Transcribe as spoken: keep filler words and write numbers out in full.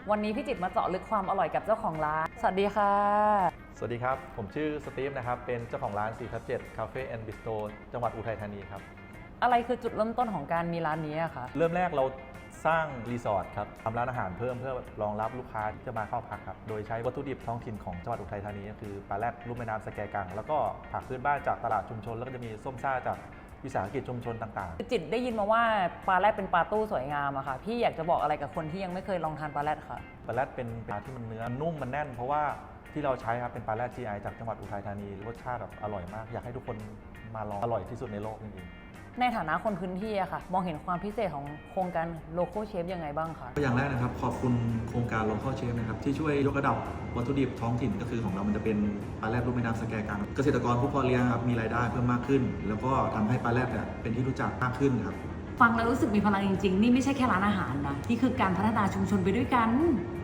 วันนี้พี่จิตรมาเจาะลึกความอร่อยกับเจ้าของร้านสวัสดีค่ะสวัสดีครับผมชื่อสตีฟนะครับเป็นเจ้าของร้าน สี่ทับเจ็ด คาเฟ่แอนด์บิสโตรจังหวัดอุทัยธานีครับอะไรคือจุดเริ่มต้นของการมีร้านนี้อะคะเริ่มแรกเราสร้างรีสอร์ทครับทำร้านอาหารเพิ่มเพื่อรองรับลูกค้าที่จะมาเข้าพักครับโดยใช้วัตถุดิบท้องถิ่นของจังหวัดอุทัยธานีก็คือปลาแรดลูกแม่น้ำสแกกังแล้วก็ผักพื้นบ้านจากตลาดชุมชนแล้วก็จะมีส้มซ่าจากวิสาหกิจชุมชนต่างๆจิตได้ยินมาว่าปลาแรดเป็นปลาตู้สวยงามอะค่ะพี่อยากจะบอกอะไรกับคนที่ยังไม่เคยลองทานปลาแรดค่ะปลาแรดเป็นปลาที่มันเนื้อนุ่มมันแน่นเพราะว่าที่เราใช้ครับเป็นปลาแรด จี ไอ จากจังหวัดอุทัยธานีรสชาติแบบอร่อยมากอยากให้ทุกคนมาลองอร่อยที่สุดในโลกจริงๆในฐานะคนพื้นที่อะค่ะมองเห็นความพิเศษของโครงการ Local Chef ยังไงบ้างคะอย่างแรกนะครับขอบคุณโครงการ Local Chef นะครับที่ช่วยยกระดับวัตถุดิบท้องถิ่นก็คือของเรามันจะเป็นปลาแรดลูกแม่น้ำสแกกังเกษตรกรผู้เพาะเลี้ยงครับมีรายได้เพิ่มมากขึ้นแล้วก็ทำให้ปลาแรดเป็นที่รู้จักมากขึ้นครับฟังแล้วรู้สึกมีพลังจริงๆนี่ไม่ใช่แค่ร้านอาหารนะนี่คือการพัฒนาชุมชนไปด้วยกัน